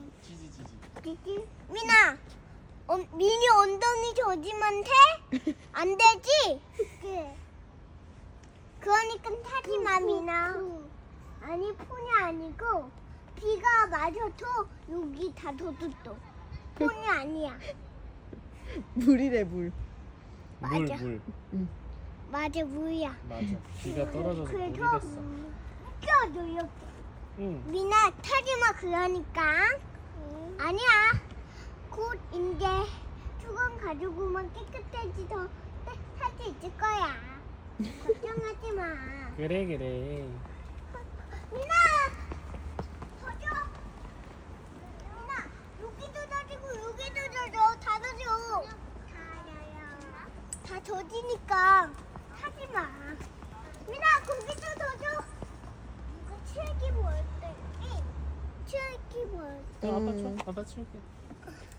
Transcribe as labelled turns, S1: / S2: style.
S1: 지지. 민아, 미니 엉덩이 젖으면 돼? 안 되지? 그래. 그러니까 타지 마, 민아. 아니, 폰이 아니고 비가 맞아도 여기 다 젖었어. 폰이 아니야.
S2: 물이래 물.
S1: 맞아.
S3: 물.
S1: 맞아, 물이야.
S3: 맞아. 비가 떨어져서 물이
S1: 그래서
S3: 됐어.
S1: 껴줘, 이렇게.
S3: 응.
S1: 민아, 타지 마, 그러니까. 아니야. 곧 이제 수건 가지고만 깨끗해지서 할 수 있을 거야. 걱정하지 마.
S3: 그래.
S1: 민아! 젖어! 민아, 여기도 젖이고 여기도 젖어. 다 젖어. 다 젖으니까 하지 마. 민아, 거기도 젖어. 이거 칠기 뭐 어때? 칠기 뭐 어때?
S3: 아빠 줘. 아빠 치울게.